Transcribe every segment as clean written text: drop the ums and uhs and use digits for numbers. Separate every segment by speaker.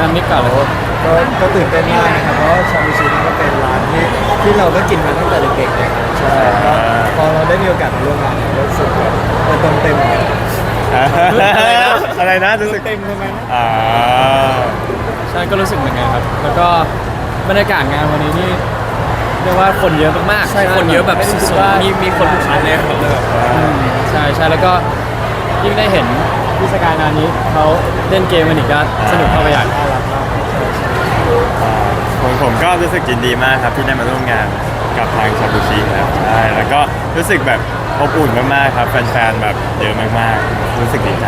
Speaker 1: มิกก่อนเลย
Speaker 2: ก็ตื่นเต้นมากนะครับเพราะว่าชาบูชินี่ก็เป็นร้านที่เราก็กินมาตั้งแต่เด็กๆนะครับใช่ก็พอเราได้มีโอกาสมาร่วมงานเนี่ยรู้สึกแบบเติมเต็ม
Speaker 3: อะไรนะรู้สึก
Speaker 2: เต็มทำไมนะ
Speaker 1: ใช่ก็รู้สึกเหมือนกันครับแล้วก็บรรยากาศงานวันนี้นี่เรียกว่าคนเยอะมากๆ
Speaker 4: ใช่คนเยอะแบบสุดๆมีคนทุกชั้นเลยครับ
Speaker 1: ใช่ใช่แล้วก็ยิ่งได้เห็นพิธีการงานนี้เขาเล่นเกมกันอีกก็สนุกเข้าไปใหญ่
Speaker 2: น่ารักมาก
Speaker 3: ผมก็รู้สึกยินดีมากครับที่ได้มาร่วมงานกับทางชาบูชิครับใช่แล้วก็รู้สึกแบบอบอุ่นมากๆครับแฟนๆแบบเยอะมากๆรู้สึกดีใจ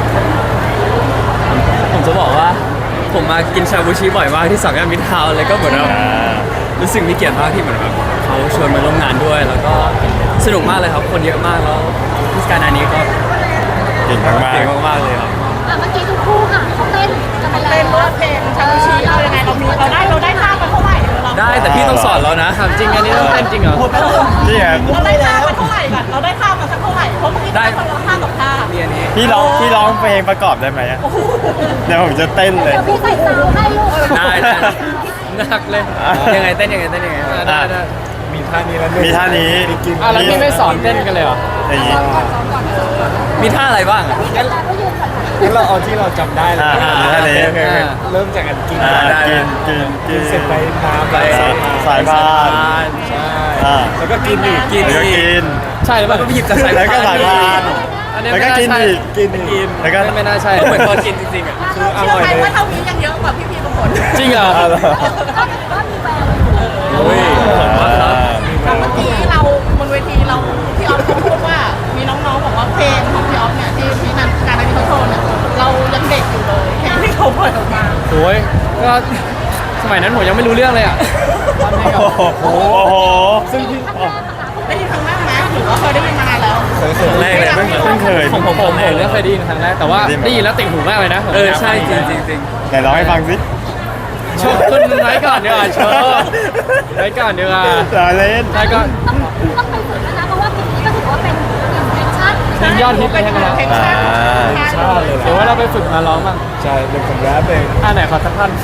Speaker 4: ผมจะบอกว่าผมมากินชาบูชิบ่อยมากที่สามย่านมิตรทาวน์เลยก็เหมือนแบบรู้สึกมีเกียรติมากที่เหมือนแบบเขาชวนมาร่วมงานด้วย แล้วก็สนุกมากเลยครับคนเยอะมากแล้วเทศกาลอันนี้ก็
Speaker 3: เก่งมาก
Speaker 4: เก่งมากๆเลยครับ
Speaker 5: เมื่อกี้ทุกคู่ค่ะเขาเต้นกันไปแล้ว
Speaker 6: เต้นว่าเพลงชาบูชิเรายังไงเราได้ท่ามันเท่าไหร่เรา
Speaker 4: ได้แต่พี่ต้องสอนแล้วนะ
Speaker 1: ถามจริงอันนี้ต้องเต้นจริงเหรอ
Speaker 3: ๆนี่ครับ
Speaker 6: เราได้ท่ามันเท่าไหร่ก่อนเราได้ท่ามันสักเท่าไหร่เพราะเมื่อกี้ได้คนละท่ากับท่า
Speaker 4: มีอันนี้
Speaker 3: พี่ร้องเพลงประกอบได้ไหมอะเดี๋ยวผมจะเต้นเลย
Speaker 5: เดี๋ยวพี่ใส่ซาวให้ลูก
Speaker 4: ได้ได้
Speaker 1: หนักเลย
Speaker 4: ยังไงเต้นยังไงเต้นยังไง
Speaker 1: ได้ได้
Speaker 2: มีท่านี้แล้ว
Speaker 3: มีท่านี้
Speaker 2: กิน
Speaker 1: แล้วพี่ไม่สอนเต้นกันเลยเหรอ
Speaker 3: อย่างนี้
Speaker 4: มีท่าอะไรบ้างอะ
Speaker 5: แล้วก็ยืนก่อนค่ะ
Speaker 2: งั้นเราเอาที่เราจำได้เลย
Speaker 3: มีท่านี้
Speaker 2: โอเคเริ่มจากการกิน
Speaker 4: ได้
Speaker 3: กิน
Speaker 2: เสร็จไปน้ำ
Speaker 4: ไป
Speaker 3: สายพาน
Speaker 2: ใช่
Speaker 3: อ่า
Speaker 2: แล้วก็กินอีก
Speaker 4: กิน
Speaker 3: แล้วก็กิน
Speaker 1: ใช่หรือเปล่า
Speaker 4: ก็หยิบจากสาย
Speaker 3: แล้วก็สายพาน
Speaker 1: อันนี้
Speaker 3: แล้ว
Speaker 1: ไม่
Speaker 3: ก็
Speaker 1: น่า
Speaker 3: กิน
Speaker 1: ใช่
Speaker 3: อีก
Speaker 2: กินอีก
Speaker 3: แล้วก็
Speaker 1: ไม่น่าใช่
Speaker 4: ก็เหมือนตอนกินจริงๆอ่ะ
Speaker 2: คืออ
Speaker 6: เชื่อ
Speaker 2: ร่อย
Speaker 6: ไหม
Speaker 2: เลย
Speaker 6: ว่าเท่านี้ยังเยอะกว่าพี่บางคน
Speaker 1: จริงเหรอ
Speaker 5: ก็มีแวว
Speaker 4: โอ้ยผมว่าครับ
Speaker 6: แต่เมื่อกี้เราบนเวทีเราพี่ออฟเขาพูดว่ามีน้องๆบอกว่าเพลงของพี่ออฟเนี่ยที่นั่นการอันนี้เขาโชว์เนี่ยเรายังเด็กอยู่เลยเพลงที่เขาเปิดออกมา
Speaker 1: โอ้ยก็สมัยนั้นผมยังไม่รู้เรื่องเลยอ่ะทำให้กับ
Speaker 3: โอ้โห
Speaker 5: ซึ่งที่ครั้งแรกนะคะ
Speaker 6: ได้ยินครั้งแรกไหมหรือว่าเคยได้ยินมานานแล้ว
Speaker 2: เคย
Speaker 4: ครั้งแรกเลย
Speaker 3: เพิ่งเคย
Speaker 1: ผมก็เคยได้ยินครั้งแรกแต่ว่าได้ยินแล้วติดหูมากเลยนะผม
Speaker 4: ใช่จริงจริงจริง
Speaker 3: ไหนร้องให้ฟังสิ
Speaker 1: โชว์ขึ้นไว้ก่อนดีกว่าโชว์ไว้ก่อนดีกว่า
Speaker 3: ลาเล่น
Speaker 1: ใช่ก็
Speaker 5: ต้องไปฝึกแล้วนะเพราะว่าเพลงนี้ก็ถือว่าเป็นเพลงชาติ
Speaker 1: เพลงยอดฮิตเลยใช่ไหมครับ
Speaker 6: เพลงชาติ
Speaker 2: ชาติเลย
Speaker 1: เดี๋ยวว่าเราไปฝึกมาร้องบ้าง
Speaker 2: ใช่เป็นผมแรปเอง
Speaker 1: ไหนขอสักท่อน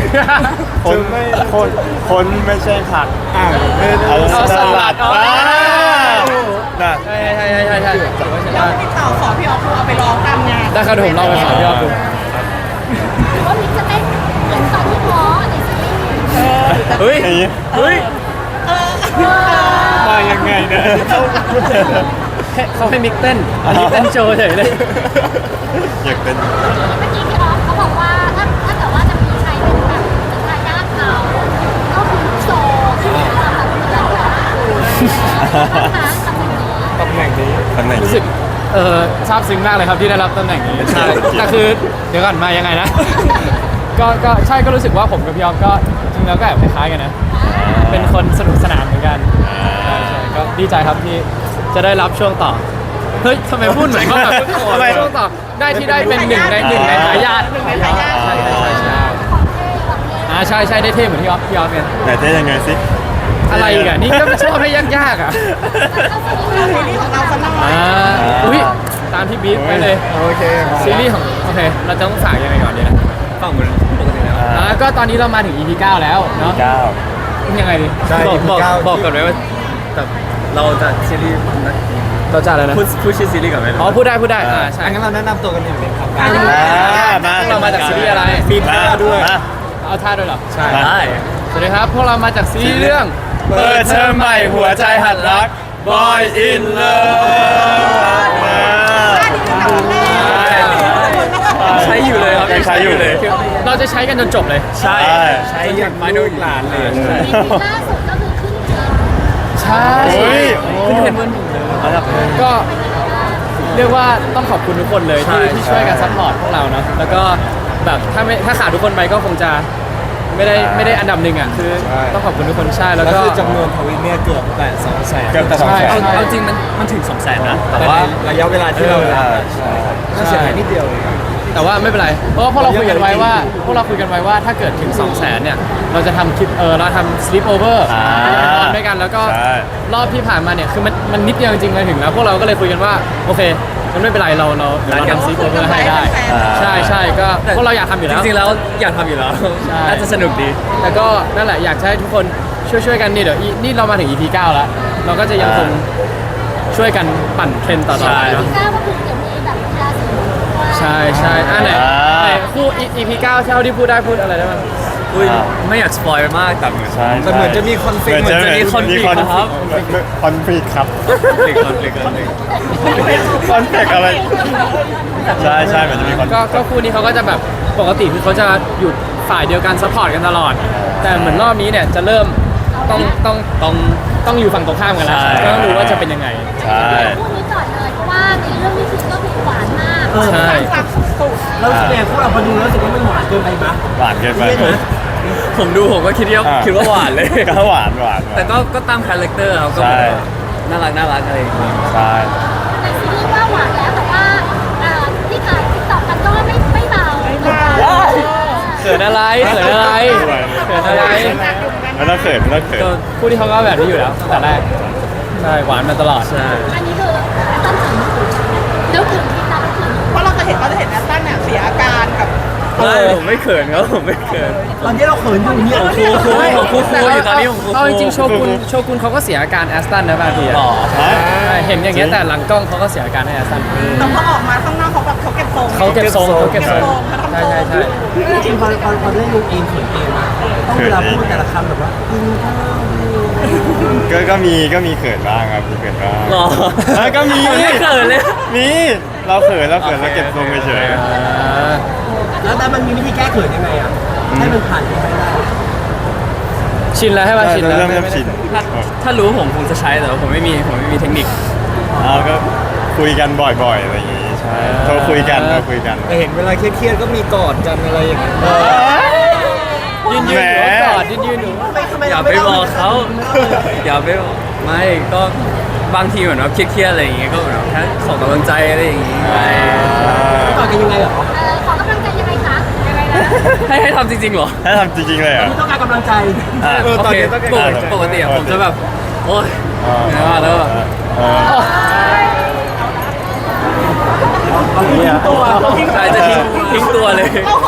Speaker 3: คนไม่ใช่ผัก
Speaker 2: อ่างไม่ได้
Speaker 1: เอาสลัด
Speaker 3: น่ะ
Speaker 1: ใช่ถือว่าใช้ได้
Speaker 6: พี่ต่อสอนพี่ออฟเอาไปร้องตามงาน
Speaker 1: ได้ครับเดี๋ยวผมลองไปสอนพี่ออฟดู
Speaker 5: หรือว่ามิกจะเต้นเหมือนตอนที่หมอในซีรีส์
Speaker 4: เฮ้ย
Speaker 3: อย่างนี้
Speaker 4: เฮ้ย
Speaker 1: มายังไงนะเขาให้มิกเต้นอันนี้เต้นโชว์เฉยเลย
Speaker 3: อยากเป็น
Speaker 5: เมื่อกี้พี่ออฟเขาบอกว่าถ้าเกิดว่าจะมีใครเป็นแบบเป็นทายาทเขาก็คือโซที่มีความแบบเหมือนกันนะคะตำแหน่งนี้
Speaker 2: ตำแหน่งนี้
Speaker 3: ตำแหน่ง
Speaker 1: รู้สึกซาบซึ้งมากเลยครับที่ได้รับตำแหน่งนี้
Speaker 3: ใช่
Speaker 1: แต่คือเดี๋ยวก่อนมายังไงนะ ก็ใช่ก็รู้สึกว่าผมกับพี่ออฟก็จริงแล้วก็แอบคล้ายๆกันนะ เป็นคนสนุกสนานเหมือนกันใช่ก็ดีใจครับที่จะได้รับช่วงต่อ เฮ้ยทำไมพูดเหมือนเขาแบบช่วงต่อได้ที่ได้เป็นหนึ่งในทายาท
Speaker 6: หนึ่งในทายาท
Speaker 1: ใช่ใช่ได้เท่เหมือนพี่ออฟเนี่ย
Speaker 3: ไหนเต้นยังไงสิ
Speaker 1: อะไรอีกอ่ะนี่ก็ไม่ชอบให้ยากๆอ่ะ
Speaker 6: ซีรีส์ของเราสนุก
Speaker 1: อุ้ยตามที่บีทไปเลย
Speaker 2: โอเคมา
Speaker 1: ซีรีส์ของโอเคเราจะต้องฝากยังไงก่อนดีนะ
Speaker 4: ฟังเหมือนปกติแล้ว
Speaker 1: ก็ตอนนี้เรามาถึง EP 9 แล้วเนาะ
Speaker 3: 9
Speaker 1: ยังไงดี
Speaker 2: ใช่
Speaker 4: บอกก่อนไหมว่าแต่เราจะซีรีส์
Speaker 1: เราจะอะไรนะ
Speaker 4: พูดชื่อซีรีส์ก่อนไหม
Speaker 1: อ๋อพูดได้ใช่
Speaker 2: งั้นเราแนะนำตัวกันหนึ่งเป็นครับ
Speaker 1: เรามาจากซีรีส์อะไร
Speaker 2: มีท่าด้วย
Speaker 1: เอาท่าด้วยเหรอ ใช่
Speaker 4: ได้
Speaker 1: สวัสดีครับพวกเรามาจากซีรีส์เรื่อง
Speaker 3: เปิดเทอมใหม่หัวใจหัดรัก Boy in Love
Speaker 4: ใช้อยู่เลยครับ
Speaker 3: ยังใช้อยู่เลย
Speaker 1: เราจะใช้กันจนจบเลย
Speaker 4: ใช่
Speaker 2: ใช้อย่างไม่ดูหลานเลย
Speaker 5: มีล่าสุดก็คือขึ้นเทรนด์
Speaker 1: ใช่
Speaker 3: เฮ้ย
Speaker 1: ขึ้นเทรนด์เบอร์หนึ่งเลยก็เรียกว่าต้องขอบคุณทุกคนเลยที่ช่วยกันซัพพอร์ตพวกเราเนาะแล้วก็แบบถ้าขาดทุกคนไปก็คงจะไม่ได้อันดับหนึ่งอ่ะคือต้องขอบคุณทุกคนใช่แล้ว
Speaker 2: แล้ว
Speaker 1: ก็
Speaker 2: คือจำนวนทวิตเนี่ยเกือบแต่200,000
Speaker 3: เกือบแต่
Speaker 1: ใช่
Speaker 4: เอาจริงมันถึง200,000นะแต่
Speaker 2: แต่
Speaker 4: ว่า
Speaker 2: ว่าระยะเวลาที่เราก็เสียหายนิดเดียวเอง
Speaker 1: แต่ว่าไม่เป็นไรเพราะว่าพวกเราคุยกันไว้ว่าถ้าเกิดถึง 200,000เนี่ยเราจะทำคลิปเราทำ sleep over นอนด้วยกันแล้วก็
Speaker 3: ใช่
Speaker 1: รอบที่ผ่านมาเนี่ยคือมันนิดเดียวจริงๆมาถึงแล้วพวกเราก็เลยคุยกันว่าโอเคมันไม่เป็นไรเราทำ sleep over ให้ได้ใช่ก็พวกเราอยากทำอยู่
Speaker 4: จ
Speaker 1: แล้ว
Speaker 4: ริงๆแล้วอยากทำอยู่แล้ว
Speaker 1: ใช่
Speaker 4: น่าจะสนุกดี
Speaker 1: แต่ก็นั่นแหละอยากจะให้ทุกคนช่วยกันนี่เดี๋ยวนี่เรามาถึง EP 9 แล้ว เราก็จะยังคงช่วยกันปั่นเทรนด์ต่อๆไปเนาะ
Speaker 5: ก้าวก็คือเดี๋ยวมีแบบราศีด้วย
Speaker 1: ใช่ไหนคู่ EP 9เท่าที่พูดได้พูดอะไรได้บ้าง
Speaker 4: อุ้ยไม่อยากสปอยล์มากแต่เหมือน
Speaker 3: ใช่
Speaker 2: แต่เหมือนจะมีคอนฟ lict
Speaker 3: เหมือนจะมี
Speaker 4: คอนฟลิกต์ครับ
Speaker 3: คอนฟลิกต์ครับ
Speaker 4: คอนฟลิกต์
Speaker 3: คอนฟลิกต์อะไรใช่เหมือนจะมีคอนฟลิกต์
Speaker 1: ก็คู่นี้เขาก็จะแบบปกติคือเขาจะอยู่ฝ่ายเดียวกันซัพพอร์ตกันตลอด แต่เหมือนรอบนี้เนี่ยจะเริ่มต้องอยู่ฝั่งตรงข้ามกันแล้ว
Speaker 3: ใช่
Speaker 1: ก็ต้องรู้ว่าจะเป็นยังไง
Speaker 3: ใช่
Speaker 5: พูดนี้ก่อนเลยเพราะว่าในเรื่องนี้คือก็คือหวานมาก
Speaker 1: ใช่
Speaker 6: รักสุด
Speaker 7: แล้วแสดงพวกเราพอดูแล้วรู้สึกว่ามันหวานเกินไปมั้ย
Speaker 3: หวานเกินไป
Speaker 4: ผมดูผมก็คิดว่าหวานเลย
Speaker 3: ก็หวาน
Speaker 4: แต่ก็ตามคาแรคเตอร์ครับก็
Speaker 3: ใช่
Speaker 4: น่ารักอะไรอย่างเงี้ย
Speaker 3: ใช่
Speaker 5: ในซีรีส์ว่าหวานแล้วแต่ว่าที่ถ่ายติ๊กต็อกกันก็ไม่เบา
Speaker 1: เขินอะไรเขินอะไร
Speaker 3: ไม่ต้องเขิน
Speaker 1: ก็คู่ที่เขาก็แบบนี้อยู่แล้วตั้งแต่แรกใช่หวานมาตลอด
Speaker 4: ใช่
Speaker 5: อันนี้คือต้นถึงแล้วถึงที่เราถึง
Speaker 6: เพราะเราจะเห็นแอสตันเนี่ยเสียอาการกับ
Speaker 4: ผมไม่เขินครับผมไม่เขิน
Speaker 7: ตอนที่เราเขินอยู่เนี่ย
Speaker 4: ผมคูอยู่ตอนนี้ผมคู
Speaker 1: เอาจริงๆโชกุนเขาก็เสียอาการแอสตันนะบางทีอะ
Speaker 4: หล่อ
Speaker 1: ใช่เห็นอย่างเงี้ยแต่หลังกล้องเขาก็เสียอาการให้แอสตัน
Speaker 6: แต่พอออกมาข้างนอกเขาแบบเขาเก็บทรง
Speaker 1: เขาเก็บทรงใช่
Speaker 7: จริงๆพอได้ลูกเองเขินเองมาต้องเวลาพูดแต่ละคำแบบว่ากินข้าว
Speaker 3: ก็มีเขินบ้างครับมีเขินบ้าง
Speaker 4: หล่อ
Speaker 3: ก็มี
Speaker 4: ผมไม่เขินเลย
Speaker 3: มีเราเขินแล้วเก็บทรงเฉย
Speaker 7: แล้วแต่มันมีวิธีแก้เขินยังไงอ่ะให้มันผ่านไปได้
Speaker 1: ชินแล้วให้
Speaker 3: ๆ
Speaker 1: มาชินแล้ว
Speaker 3: เริ่มชิน
Speaker 4: ถ้ารู้ผมคงจะใช้แต่ว่าผมไม่มีเทคนิค
Speaker 3: ก็คุยกันบ่อยๆอะไรอย่างงี้ใช่โทรคุยกัน
Speaker 2: แต่เห็นเวลาเครียดๆก็มีกอดกันอะไรอย่างเงี้ย
Speaker 1: ยืนอยู่กอดยืนอยู่
Speaker 4: อย่าไปบอกเขาอย่าไปบอกไม่ก็บางทีเหมือนว่าเครียดๆอะไรอย่างเงี้ยก็เหมือนว่าแค่ขอกำลังใจอะไรอย่างงี้ไป
Speaker 7: ก่อนกันยังไงเหรอ
Speaker 5: ขอกำลังใจยังไงคะยังไงนะ
Speaker 4: ให้ทำจริงๆเหรอ
Speaker 3: ถ้าทำจริงๆเลยเหรอ
Speaker 7: ที่ต้องการกำลังใจ
Speaker 4: โอเคปกติอะผมจะแบบโอ๊ยเหนื่อยมากแล้วอะใช่จะทิ้งตัวเลย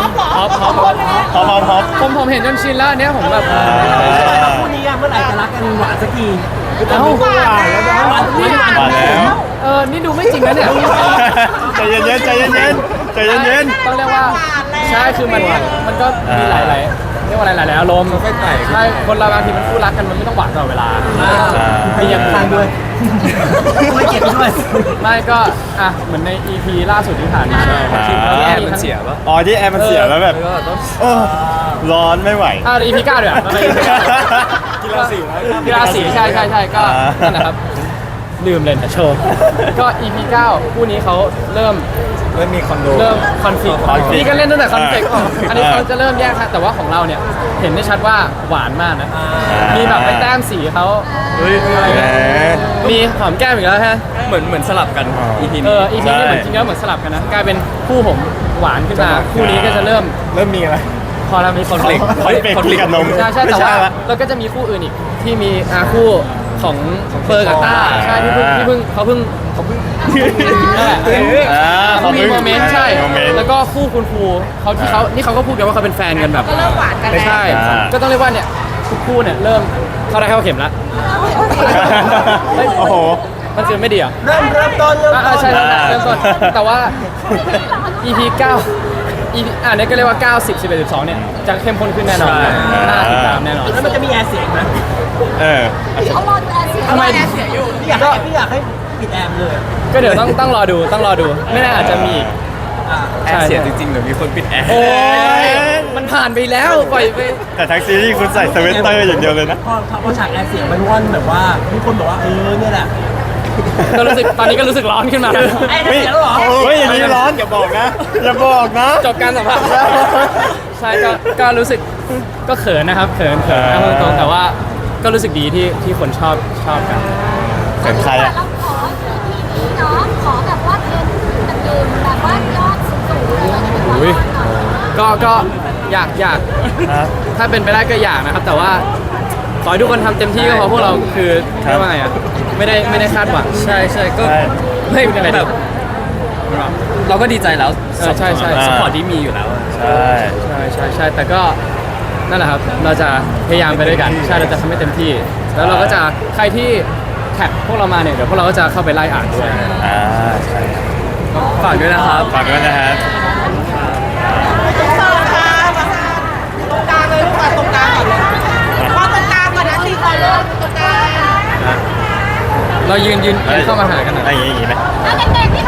Speaker 3: พร้อม
Speaker 1: ผมเห็นจนชินแล้วอันเนี้ยผมแบบ
Speaker 7: คู่นี้เมื่อไหร่จะรักกันหวานสักที
Speaker 1: เอ้า
Speaker 7: หวานแล้วนะหวานทุกอย่าง
Speaker 3: มาแล้ว
Speaker 1: นี่ดูไม่จริงนะเนี่ย
Speaker 3: ใจเย็นๆใจเย็น
Speaker 1: ต้องเรียกว่าใช่คือมันก็มีหลายเรียกว่าหลายอารมณ์ใช่คนเราบางทีมันคู่รักกันมันไม่ต้องหวานตลอดเวลามีอย่าง
Speaker 7: ทางด้วยไม่เก็บด้วย
Speaker 1: ไม่ก็เหมือนใน EP ล่าสุดที่ผ่านมา
Speaker 4: ที่แอร์มันเสียปะ
Speaker 3: อ๋อที่แอร์มันเสียแล้วแบบ
Speaker 4: ก็ต้อง
Speaker 3: ร้อนไม่ไหว
Speaker 1: EP 9เดี๋ยวกีฬาสีใช่ก็นั่นแหละครับลืมเลยนะโชว์ก็ EP 9คู่นี้เขาเริ่ม
Speaker 2: มีคอนโด
Speaker 1: เริ่มคอนฟ lict นี่ก็เล่นตั้งแต่คอนฟ lict อันนี้เขาจะเริ่มแยกค่ะแต่ว่าของเราเนี่ยเห็นได้ชัดว่าหวานมากนะมีแบบไปแต้มสีเขาอะไรเงี้ยมีหอมแก้มอีกแล้วฮะ
Speaker 4: เหมือนสลับกัน EP นี้
Speaker 1: EP นี้เหมือนจริงๆแล้วเหมือนสลับกันนะกลายเป็นคู่ผมหวานขึ้นมาคู่นี้ก็จะเริ่ม
Speaker 2: มีอะไร
Speaker 1: พอเรามีคอนฟ lict
Speaker 3: คอนฟ lict กับนม
Speaker 1: ใช่แต่ว่าเราก็จะมีคู่อื่นอีกที่มีคู่ของเฟอร์กับต้าใช่ที่เพิ่งนั่นแหละ เขามีโมเมนต์ใช่ แล้วก็คู่คุณครูนี่เขาก็พูดกันว่าเขาเป็นแฟนกันแบบ
Speaker 6: ก็เริ่มหวานกัน
Speaker 1: ไม่
Speaker 6: แล้ว
Speaker 1: ใช่ ก็ต้องเรียกว่าเนี่ยทุกคู่เนี่ยเริ่มเข้าได้เข้าเข็มแล้ว
Speaker 3: โอ้โห
Speaker 1: มันคือไม่ดีเหรอ
Speaker 7: เริ่มต้น
Speaker 1: ใช่เริ่มต้นแต่ว่า EP 9 เนี่ยก็เรียกว่า 9 10 11 12เนี่ยจะเข้มข้นขึ้นแน่นอนน่าติดตามแน่นอน
Speaker 7: แล้วมันจะมีแอร์เสียงไหม
Speaker 5: เขารอดูแอร์เสียง
Speaker 1: ทำไม
Speaker 6: เสียอยู่
Speaker 7: พี่อยากให้ปิดแอร์เลย
Speaker 1: ก็เดี๋ยวต้องรอดูไม่แน่อาจจะมีอีก
Speaker 4: แอร์เสียจริงๆหรือมีคนปิดแอร์
Speaker 1: โอ้ยมันผ่านไปแล้วปล่อยไป
Speaker 3: แต่ทั้งซีรีส์คุณใส่สเวตเตอร์อย่างเดียวเลยนะ
Speaker 7: พอฉากแอร์เสียงมันว่อนแบบว่าทุกคนบอกว่าเนี่ยแหละ
Speaker 1: ก็รู้สึกตอนนี้ก็รู้สึกร้อนขึ้นมา
Speaker 7: ไอ้เสียงแล้วเหรอ
Speaker 3: เฮ้ยอย่างนี้ร้อนอย่าบอกนะ
Speaker 1: จบการสัมภาษณ์ใช่ก็รู้สึกก็เขินนะครับเขินนะพูดตรงๆแต่ว่าก็รู้สึกดีที่คนชอบกัน
Speaker 3: เขินใครอะ
Speaker 5: เราขอ EP นี้เนาะขอแบบว่าเทรนด์แบบยืนแบบว่ายอดสูงๆเลย
Speaker 1: ก็อยาก
Speaker 3: ครับ
Speaker 1: ถ้าเป็นไปได้ก็อยากนะครับ แต่ว่าขอให้ทุกคนทำเต็มที่ก็พอพวกเราคือ
Speaker 3: ครับ
Speaker 1: เรียกว่าไงอ่ะไม่ได้คาดหวัง
Speaker 4: ใช่ใช่ก็
Speaker 3: ใช่
Speaker 4: ไม่
Speaker 1: ไม่ได้
Speaker 4: แบบเราก็ดีใจแล้ว
Speaker 1: ใช่ใช่
Speaker 4: สปอร์ตที่มีอยู่แล้ว
Speaker 3: ใช่
Speaker 1: ใช่แต่ก็นั่นแหละครับเราจะพยายามไปด้วยกันใช่เราจะทำให้เต็มที่ แล้วเราก็จะใครที่แท็กพวกเรามาเนี่ยเดี๋ยวพวกเราก็จะเข้าไปไล่อ่านด้วย
Speaker 3: ใช่
Speaker 4: ฝากด้วยนะครับ
Speaker 3: ฝากด้วยนะครับ
Speaker 6: เสิร์ฟค่ะตรงกลางเลยลูกตรงกลางก่อนเลยพอตรงกลางก่อนนะที่คอเริ่มตรงกลาง
Speaker 1: เรายืนเข้ามาหากันหน่อย
Speaker 3: อย่างนี้ไหม
Speaker 5: เด็กๆที่